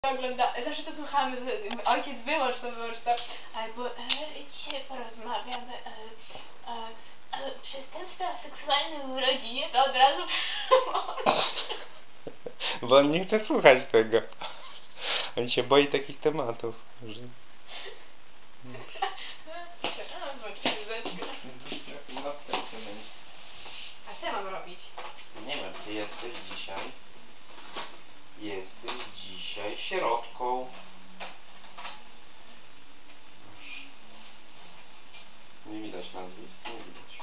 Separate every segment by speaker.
Speaker 1: ogląda, zawsze to słuchamy, ojciec wyłącz to, albo dzisiaj porozmawiamy przestępstwa seksualne w rodzinie, to od razu
Speaker 2: Bo on nie chce słuchać tego. On się boi takich tematów. Że...
Speaker 1: A co ja mam robić?
Speaker 2: Nie wiem, ty jesteś dzisiaj sierotką. Nie widać nazwisk, nie widać.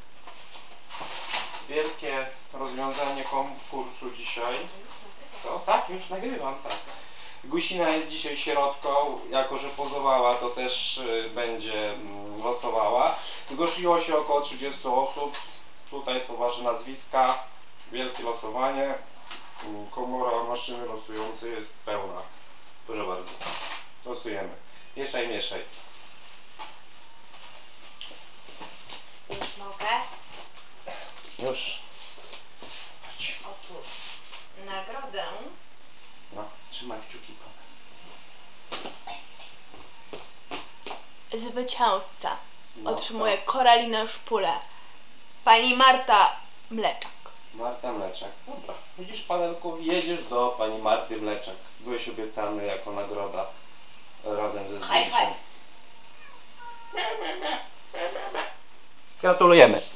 Speaker 2: Wielkie rozwiązanie konkursu dzisiaj. Co? Tak, już nagrywam, tak. Gusina jest dzisiaj sierotką, jako że pozowała, to też będzie losowała. Zgłosiło się około 30 osób. Tutaj są wasze nazwiska. Wielkie losowanie. Komora maszyny losującej jest pełna. Proszę bardzo. Losujemy. Mieszaj, mieszaj.
Speaker 1: Już mogę?
Speaker 2: Już.
Speaker 1: Otóż nagrodę.
Speaker 2: No, trzymaj kciuki,
Speaker 1: Zwycięzca
Speaker 2: no,
Speaker 1: otrzymuje Koralina Szpulę. Pani Marta Mleczak.
Speaker 2: Marta Mleczak. Dobra. Widzisz, Panelku, jedziesz do pani Marty Mleczak. Byłeś obiecany jako nagroda razem ze zdjęciem.
Speaker 1: High five.
Speaker 2: Gratulujemy.